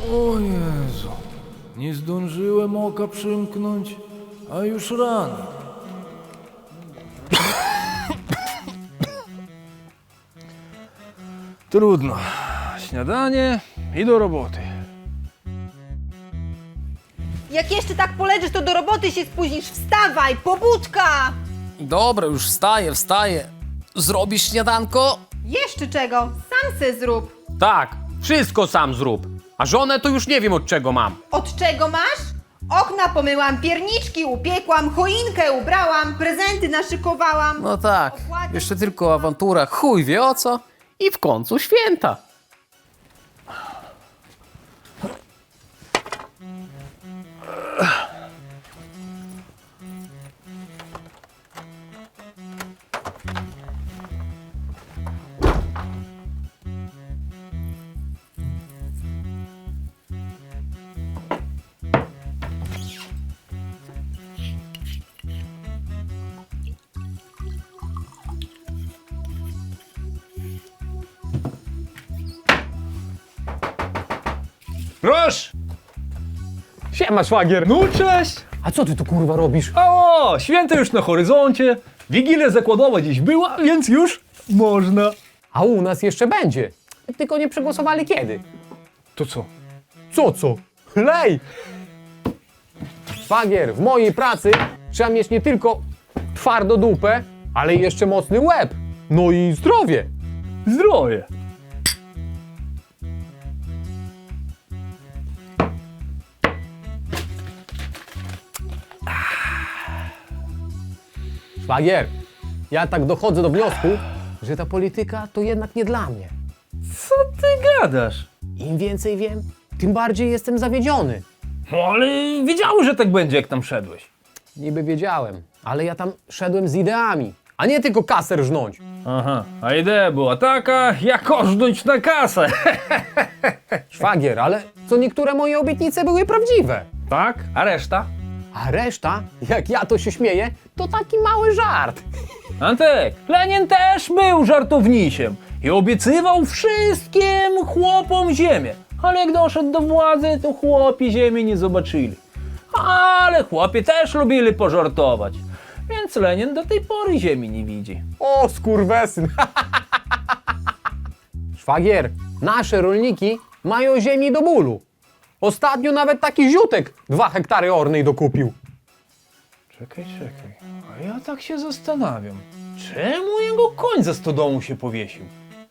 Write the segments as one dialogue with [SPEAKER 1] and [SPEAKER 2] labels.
[SPEAKER 1] O Jezu, nie zdążyłem oka przymknąć, a już rano. Trudno. Śniadanie i do roboty.
[SPEAKER 2] Jak jeszcze tak poleżysz, to do roboty się spóźnisz. Wstawaj, pobudka!
[SPEAKER 3] Dobra, już wstaję. Zrobisz śniadanko?
[SPEAKER 2] Jeszcze czego? Sam se zrób.
[SPEAKER 4] Tak, wszystko sam zrób. A żonę to już nie wiem od czego mam.
[SPEAKER 2] Od czego masz? Okna pomyłam, pierniczki upiekłam, choinkę ubrałam, prezenty naszykowałam.
[SPEAKER 3] No tak, jeszcze tylko awantura, chuj wie o co.
[SPEAKER 4] I w końcu święta.
[SPEAKER 5] Proszę!
[SPEAKER 4] Siema, szwagier.
[SPEAKER 5] No cześć!
[SPEAKER 4] A co ty tu kurwa robisz?
[SPEAKER 5] O, święto już na horyzoncie. Wigilia zakładowa dziś była, więc już można.
[SPEAKER 4] A u nas jeszcze będzie. Tylko nie przegłosowali kiedy.
[SPEAKER 5] To co?
[SPEAKER 4] Co? Lej! Szwagier, w mojej pracy trzeba mieć nie tylko twardo dupę, ale i jeszcze mocny łeb. No i zdrowie.
[SPEAKER 5] Zdrowie.
[SPEAKER 4] Szwagier, ja tak dochodzę do wniosku, że ta polityka to jednak nie dla mnie.
[SPEAKER 5] Co ty gadasz?
[SPEAKER 4] Im więcej wiem, tym bardziej jestem zawiedziony.
[SPEAKER 5] No ale wiedziałem, że tak będzie, jak tam szedłeś.
[SPEAKER 4] Niby wiedziałem, ale ja tam szedłem z ideami, a nie tylko kasę rżnąć.
[SPEAKER 5] Aha, a idea była taka, jak ożdżnąć na kasę.
[SPEAKER 4] Szwagier, ale co niektóre moje obietnice były prawdziwe.
[SPEAKER 5] Tak? A reszta?
[SPEAKER 4] A reszta, jak ja to się śmieję, to taki mały żart.
[SPEAKER 5] Antek, Lenin też był żartownisiem i obiecywał wszystkim chłopom ziemię. Ale jak doszedł do władzy, to chłopi ziemi nie zobaczyli. Ale chłopi też lubili pożartować. Więc Lenin do tej pory ziemi nie widzi.
[SPEAKER 4] O, skurwesyn. Szwagier, nasze rolniki mają ziemi do bólu. Ostatnio nawet taki ziutek 2 hektary ornej dokupił.
[SPEAKER 5] Czekaj. A ja tak się zastanawiam. Czemu jego koń ze stodołu się powiesił?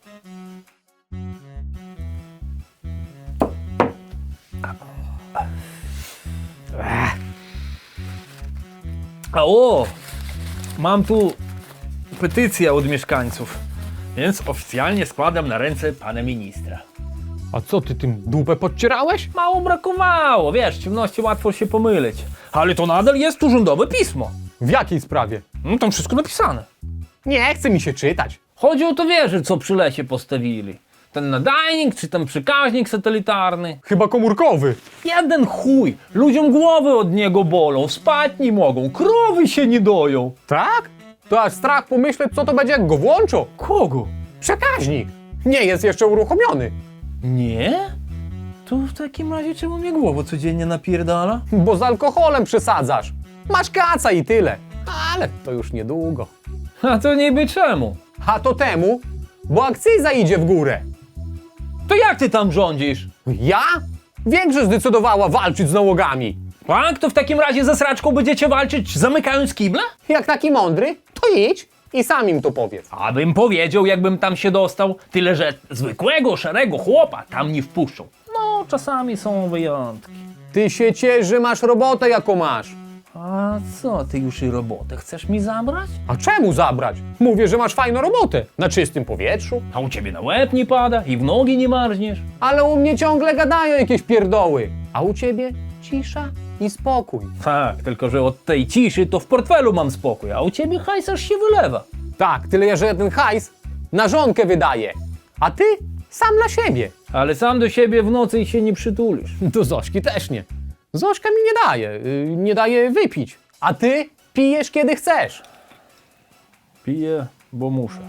[SPEAKER 5] Mam tu petycję od mieszkańców, więc oficjalnie składam na ręce pana ministra.
[SPEAKER 4] A co ty tym dupę podcierałeś?
[SPEAKER 5] Mało brakowało, wiesz, w ciemności łatwo się pomylić. Ale to nadal jest urzędowe pismo.
[SPEAKER 4] W jakiej sprawie?
[SPEAKER 5] No, tam wszystko napisane.
[SPEAKER 4] Nie chce mi się czytać.
[SPEAKER 5] Chodzi o to wieżę, co przy lesie postawili. Ten nadajnik, czy ten przekaźnik satelitarny.
[SPEAKER 4] Chyba komórkowy.
[SPEAKER 5] Jeden chuj, ludziom głowy od niego bolą, spać nie mogą, krowy się nie doją.
[SPEAKER 4] Tak? To aż strach pomyśleć, co to będzie, jak go włączą.
[SPEAKER 5] Kogo?
[SPEAKER 4] Przekaźnik. Nie jest jeszcze uruchomiony.
[SPEAKER 5] Nie? To w takim razie czemu mnie głowa codziennie napierdala?
[SPEAKER 4] Bo z alkoholem przesadzasz. Masz kaca i tyle. Ale to już niedługo.
[SPEAKER 5] A to niby czemu?
[SPEAKER 4] A to temu, bo akcyza idzie w górę.
[SPEAKER 5] To jak ty tam rządzisz?
[SPEAKER 4] Ja? Większość zdecydowała walczyć z nałogami.
[SPEAKER 5] Tak, to w takim razie ze sraczką będziecie walczyć zamykając kible?
[SPEAKER 4] Jak taki mądry, to idź i sam im to powiedz.
[SPEAKER 5] Abym powiedział, jakbym tam się dostał, tyle że zwykłego, szarego chłopa tam nie wpuszczą. No, czasami są wyjątki.
[SPEAKER 4] Ty się ciesz, że masz robotę, jaką masz.
[SPEAKER 5] A co, ty już i robotę chcesz mi zabrać?
[SPEAKER 4] A czemu zabrać? Mówię, że masz fajną robotę. Na czystym powietrzu.
[SPEAKER 5] A u ciebie na łeb nie pada i w nogi nie marzniesz?
[SPEAKER 4] Ale u mnie ciągle gadają jakieś pierdoły. A u ciebie cisza i spokój.
[SPEAKER 5] Tak, tylko że od tej ciszy to w portfelu mam spokój, a u ciebie hajs aż się wylewa.
[SPEAKER 4] Tak, tyle, że ten hajs na żonkę wydaje. A ty sam dla siebie.
[SPEAKER 5] Ale sam do siebie w nocy się nie przytulisz.
[SPEAKER 4] Do Zośki też nie. Zośka mi nie daje wypić. A ty pijesz kiedy chcesz.
[SPEAKER 5] Piję, bo muszę.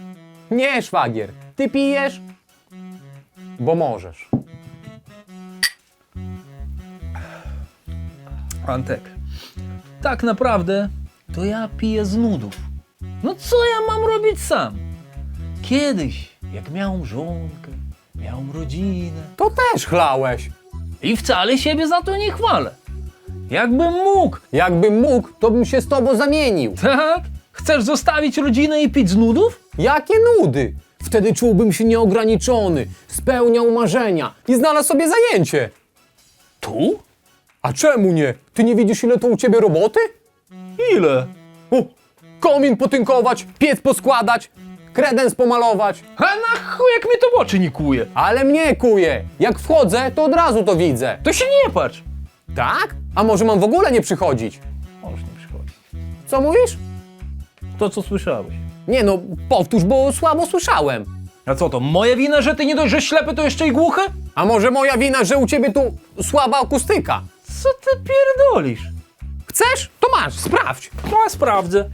[SPEAKER 4] Nie, szwagier, ty pijesz, bo możesz.
[SPEAKER 5] Antek, tak naprawdę to ja piję z nudów. No co ja mam robić sam? Kiedyś, jak miałem żonkę, miałem rodzinę
[SPEAKER 4] To też chlałeś.
[SPEAKER 5] i wcale siebie za to nie chwalę. Jakbym mógł,
[SPEAKER 4] Jakbym mógł, to bym się z tobą zamienił.
[SPEAKER 5] tak? Chcesz zostawić rodzinę i pić z nudów?
[SPEAKER 4] Jakie nudy! Wtedy czułbym się nieograniczony, spełniał marzenia i znalazł sobie zajęcie.
[SPEAKER 5] Tu?
[SPEAKER 4] A czemu nie? Ty nie widzisz, ile to u ciebie roboty?
[SPEAKER 5] Ile?
[SPEAKER 4] O, komin potynkować, piec poskładać, kredens pomalować.
[SPEAKER 5] A na chuj, jak mnie to w oczy nie kuje.
[SPEAKER 4] Ale mnie kuje. Jak wchodzę, to od razu to widzę.
[SPEAKER 5] To się nie patrz.
[SPEAKER 4] Tak? A może mam w ogóle nie przychodzić?
[SPEAKER 5] Możesz nie przychodzić.
[SPEAKER 4] Co mówisz?
[SPEAKER 5] To, co słyszałeś.
[SPEAKER 4] Nie no, powtórz, bo słabo słyszałem.
[SPEAKER 5] A co to, moja wina, że ty nie dość, że ślepy, to jeszcze i głuchy?
[SPEAKER 4] A może moja wina, że u ciebie tu słaba akustyka?
[SPEAKER 5] Co ty pierdolisz?
[SPEAKER 4] Chcesz? To masz, sprawdź.
[SPEAKER 5] No, ja sprawdzę.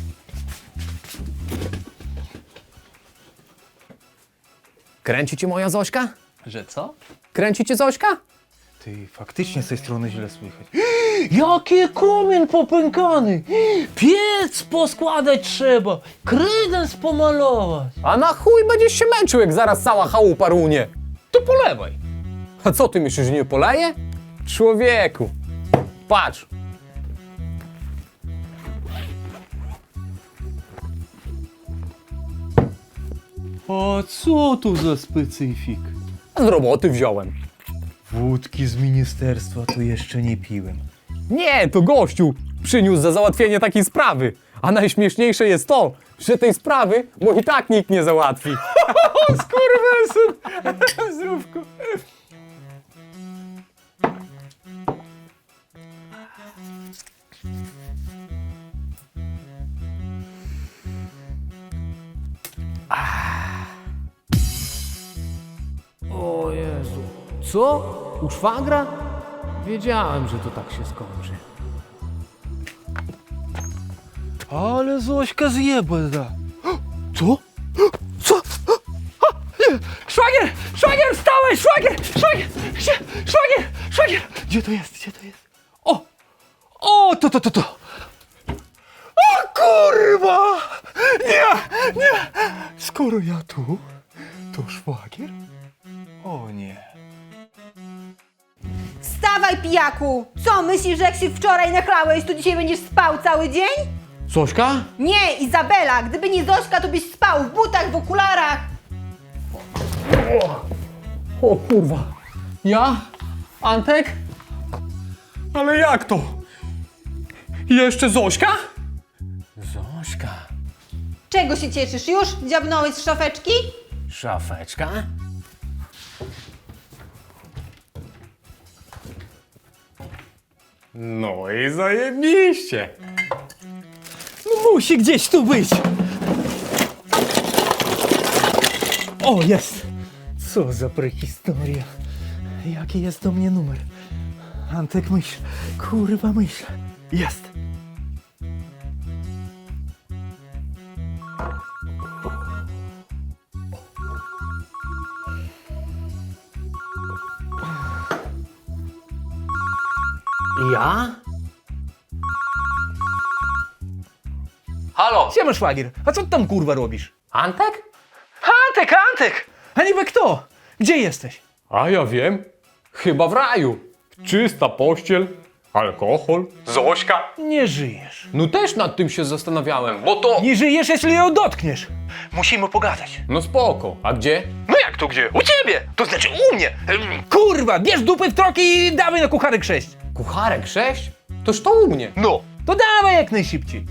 [SPEAKER 4] Kręci cię moja Zośka?
[SPEAKER 5] Że co?
[SPEAKER 4] Kręci cię Zośka?
[SPEAKER 5] Ty, faktycznie z tej strony źle słychać. Jaki komin popękany! Piec poskładać trzeba, kredens pomalować.
[SPEAKER 4] A na chuj będziesz się męczył, jak zaraz cała chałupa runie.
[SPEAKER 5] To polewaj.
[SPEAKER 4] A co ty myślisz, że nie poleje? Człowieku, patrz.
[SPEAKER 5] A co tu za specyfik?
[SPEAKER 4] Z roboty wziąłem.
[SPEAKER 5] Wódki z ministerstwa to jeszcze nie piłem.
[SPEAKER 4] Nie, to gościu przyniósł za załatwienie takiej sprawy. A najśmieszniejsze jest to, że tej sprawy mu i tak nikt nie załatwi.
[SPEAKER 5] Skurwesyn! Zdrówko.
[SPEAKER 1] O Jezu. Co? U szwagra? Wiedziałem, że to tak się skończy.
[SPEAKER 5] Ale Zośka zjebana. Co? Co? Nie! Szwagier! Szwagier, wstałeś! Szwagier! Szwagier! Szwagier! Szwagier! Gdzie to jest? Gdzie to jest? O! O! To! O kurwa! Nie! Nie! Skoro ja tu, to szwagier? O nie.
[SPEAKER 2] Wstawaj, pijaku! Co, myślisz, że jak się wczoraj nachlałeś, to dzisiaj będziesz spał cały dzień?
[SPEAKER 4] Zośka?
[SPEAKER 2] Nie, Izabela! Gdyby nie Zośka, to byś spał w butach, w okularach!
[SPEAKER 4] O kurwa. Ja? Antek? Ale jak to? Jeszcze Zośka? Zośka.
[SPEAKER 2] Czego się cieszysz? Już dziabnąłeś z szafeczki?
[SPEAKER 4] Szafeczka? No i zajebiście.
[SPEAKER 5] No musi gdzieś tu być. O, jest. Co za prehistoria. Jaki jest do mnie numer? Antek, myśl. Kurwa, myśl. Jest.
[SPEAKER 4] Ja? Halo?
[SPEAKER 5] Siema, szwagier. A co ty tam kurwa robisz?
[SPEAKER 4] Antek?
[SPEAKER 5] Antek! A niby kto? Gdzie jesteś?
[SPEAKER 4] A ja wiem. Chyba w raju. Czysta pościel, alkohol, Zośka.
[SPEAKER 5] Nie żyjesz.
[SPEAKER 4] No też nad tym się zastanawiałem, bo to...
[SPEAKER 5] Nie żyjesz, jeśli ją dotkniesz. Musimy pogadać.
[SPEAKER 4] No spoko. A gdzie?
[SPEAKER 5] No jak to gdzie? U ciebie! To znaczy u mnie! Kurwa, bierz dupy w troki i dawaj na kucharek 6.
[SPEAKER 4] Kucharek 6? Toż to u mnie.
[SPEAKER 5] No. To dawaj jak najszybciej.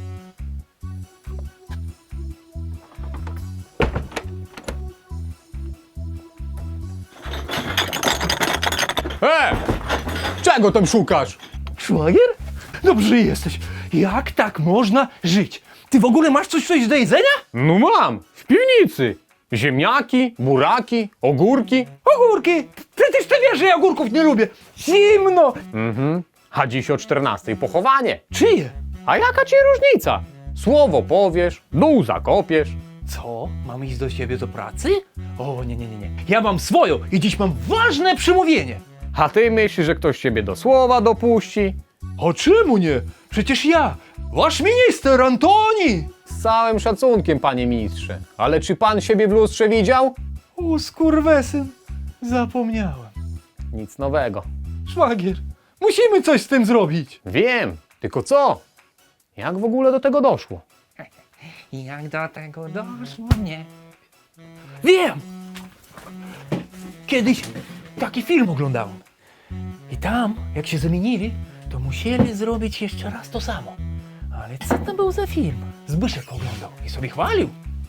[SPEAKER 4] Czego tam szukasz?
[SPEAKER 5] Szwagier? Dobrze jesteś. Jak tak można żyć? Ty w ogóle masz coś do jedzenia?
[SPEAKER 4] No mam, w piwnicy. Ziemniaki, buraki, ogórki.
[SPEAKER 5] Ogórki! Przecież ty wiesz, że ja ogórków nie lubię. Zimno!
[SPEAKER 4] A dziś o 14 pochowanie.
[SPEAKER 5] Czyje?
[SPEAKER 4] A jaka ci różnica? Słowo powiesz, dół zakopiesz.
[SPEAKER 5] Co? Mam iść do siebie do pracy? O, nie. Ja mam swoją i dziś mam ważne przemówienie.
[SPEAKER 4] A ty myślisz, że ktoś ciebie do słowa dopuści?
[SPEAKER 1] A czemu nie? Przecież ja, wasz minister Antoni!
[SPEAKER 4] Z całym szacunkiem, panie ministrze. Ale czy pan siebie w lustrze widział?
[SPEAKER 1] O, skurwesyn, zapomniałem.
[SPEAKER 4] Nic nowego.
[SPEAKER 1] Szwagier, musimy coś z tym zrobić.
[SPEAKER 4] Wiem, tylko co? Jak w ogóle do tego doszło?
[SPEAKER 5] Jak do tego doszło, nie? Wiem! Kiedyś taki film oglądałem. I tam, jak się zamienili, to musieli zrobić jeszcze raz to samo. Ale co to był za film? Zbyszek oglądał i sobie chwalił.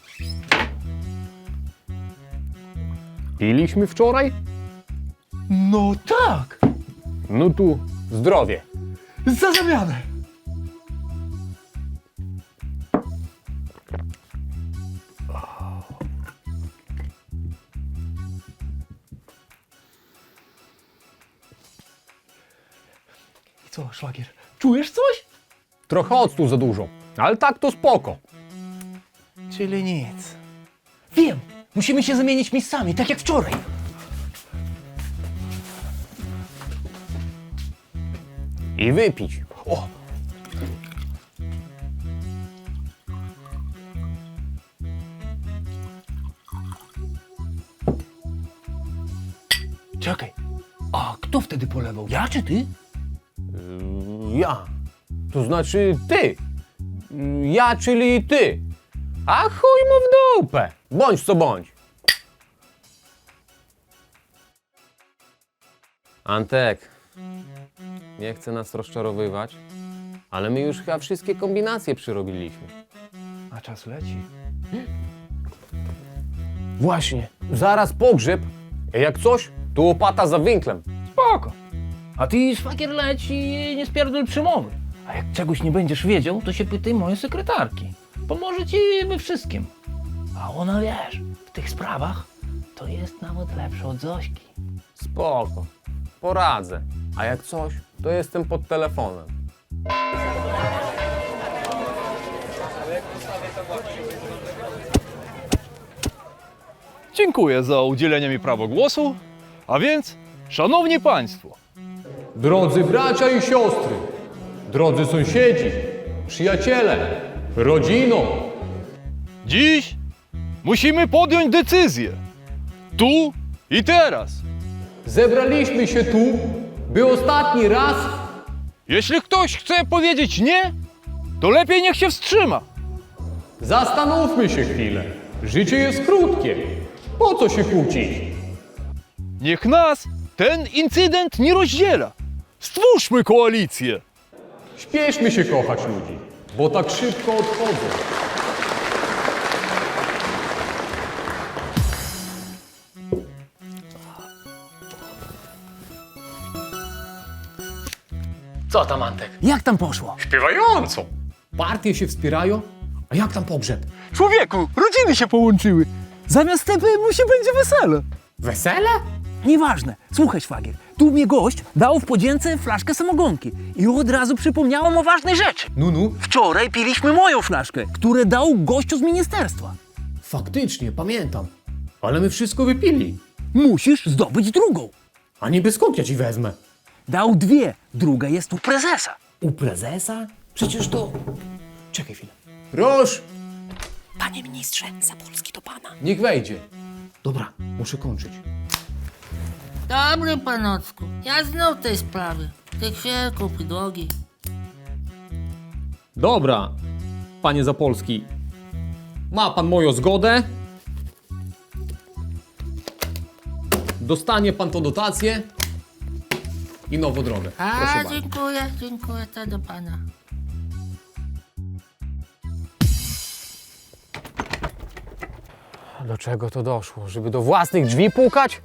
[SPEAKER 4] Piliśmy wczoraj?
[SPEAKER 1] No tak,
[SPEAKER 4] No tu zdrowie.
[SPEAKER 1] za zamianę. I co, szwagier, czujesz coś?
[SPEAKER 4] Trochę octu za dużo, ale tak to spoko.
[SPEAKER 5] Czyli nic. Wiem! Musimy się zamienić miejscami, tak jak wczoraj.
[SPEAKER 4] I wypić.
[SPEAKER 5] O! Czekaj, a kto wtedy polewał? Ja czy ty?
[SPEAKER 4] Ja. To znaczy ty. Ja, czyli ty. A chuj mu w dupę. Bądź co bądź. Antek, nie chcę nas rozczarowywać, ale my już chyba wszystkie kombinacje przyrobiliśmy.
[SPEAKER 5] A czas leci.
[SPEAKER 4] Właśnie, zaraz pogrzeb. Jak coś, to łopata za winklem.
[SPEAKER 5] Spoko. A ty, szwagier, leć i nie spierdol przemowy. A jak czegoś nie będziesz wiedział, to się pytaj mojej sekretarki. Pomoże ci we wszystkim. A ona, wiesz, w tych sprawach to jest nawet lepsza od Zośki.
[SPEAKER 4] Spoko, poradzę. A jak coś, to jestem pod telefonem.
[SPEAKER 1] Dziękuję za udzielenie mi prawa głosu. A więc, szanowni państwo,
[SPEAKER 4] Drodzy bracia i siostry, drodzy sąsiedzi, przyjaciele, rodzino,
[SPEAKER 1] dziś musimy podjąć decyzję. Tu i teraz.
[SPEAKER 4] zebraliśmy się tu, by ostatni raz
[SPEAKER 1] Jeśli ktoś chce powiedzieć nie, to lepiej niech się wstrzyma.
[SPEAKER 4] zastanówmy się chwilę. Życie jest krótkie. Po co się kłócić?
[SPEAKER 1] Niech nas ten incydent nie rozdziela. Stwórzmy koalicję.
[SPEAKER 4] Śpieszmy się kochać ludzi, bo tak szybko odchodzą.
[SPEAKER 5] Co tam, Antek? Jak tam poszło?
[SPEAKER 4] Śpiewająco. Partie się wspierają, a jak tam pogrzeb?
[SPEAKER 1] Człowieku, rodziny się połączyły.
[SPEAKER 5] Zamiast tepy musi będzie wesele.
[SPEAKER 4] Wesele?
[SPEAKER 5] Nieważne. Słuchaj, szwagier, tu mnie gość dał w podzięce flaszkę samogonki i od razu przypomniałem o ważnej rzeczy.
[SPEAKER 4] No.
[SPEAKER 5] Wczoraj piliśmy moją flaszkę, którą dał gościu z ministerstwa.
[SPEAKER 4] Faktycznie, pamiętam. Ale my wszystko wypili.
[SPEAKER 5] Musisz zdobyć drugą.
[SPEAKER 4] A niby skąd ja ci wezmę?
[SPEAKER 5] Dał dwie, druga jest u prezesa.
[SPEAKER 4] U prezesa? Przecież to... Czekaj chwilę. Proszę!
[SPEAKER 6] Panie ministrze, Zapolski do pana.
[SPEAKER 4] Niech wejdzie. Dobra, muszę kończyć.
[SPEAKER 7] Dobry panocku, ja znów tej sprawy. Ty chwilku, drogi.
[SPEAKER 4] Dobra, panie Zapolski. Ma pan moją zgodę. Dostanie pan tą dotację i nową drogę. Proszę
[SPEAKER 7] A,
[SPEAKER 4] bardzo.
[SPEAKER 7] dziękuję, to do pana.
[SPEAKER 4] Do czego to doszło? Żeby do własnych drzwi pukać?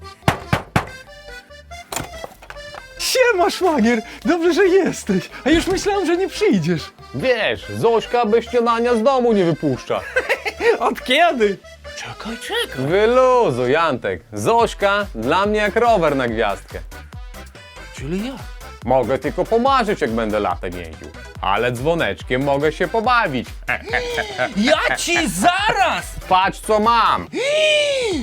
[SPEAKER 1] Siema, szwagier, dobrze, że jesteś. A już myślałem, że nie przyjdziesz.
[SPEAKER 4] Wiesz, Zośka bez śniadania z domu nie wypuszcza.
[SPEAKER 1] Od kiedy?
[SPEAKER 5] Czekaj.
[SPEAKER 4] Wyluzuj, Antek. Zośka dla mnie jak rower na gwiazdkę.
[SPEAKER 5] Czyli ja.
[SPEAKER 4] Mogę tylko pomarzyć, jak będę latem jeździł. Ale dzwoneczkiem mogę się pobawić.
[SPEAKER 5] Ja ci zaraz!
[SPEAKER 4] Patrz, co mam.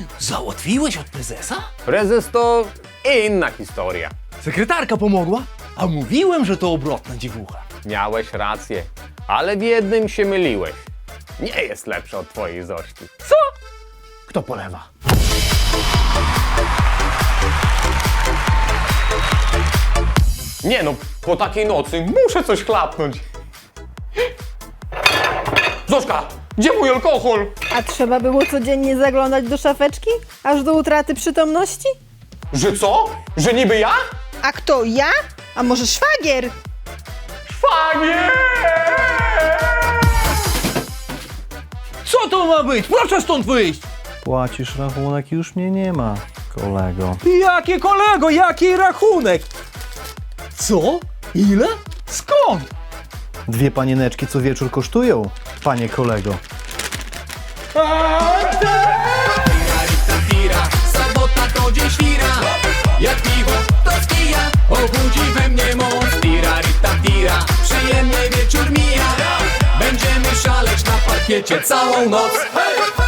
[SPEAKER 5] Załatwiłeś od prezesa?
[SPEAKER 4] Prezes to inna historia.
[SPEAKER 5] Sekretarka pomogła? A mówiłem, że to obrotna dziewucha.
[SPEAKER 4] Miałeś rację, ale w jednym się myliłeś. Nie jest lepsza od twojej Zośki.
[SPEAKER 5] Co? Kto polewa?
[SPEAKER 4] Nie no, po takiej nocy muszę coś chlapnąć. Zośka, gdzie mój alkohol?
[SPEAKER 2] A trzeba było codziennie zaglądać do szafeczki? Aż do utraty przytomności?
[SPEAKER 4] Że co? Że niby ja?
[SPEAKER 2] A kto, ja? A może szwagier?
[SPEAKER 4] Szwagier!
[SPEAKER 5] Co to ma być? Proszę stąd wyjść!
[SPEAKER 8] Płacisz rachunek, już mnie nie ma, kolego.
[SPEAKER 5] Jakie kolego, jaki rachunek? Co? Ile? Skąd?
[SPEAKER 8] 2 panieneczki co wieczór kosztują, panie kolego.
[SPEAKER 9] Sobota to dzień świra. Jak piwo to skija, obudzi we mnie moc. Tira, rita, tira, przyjemny wieczór mija. Będziemy szaleć na parkiecie całą noc. Hej!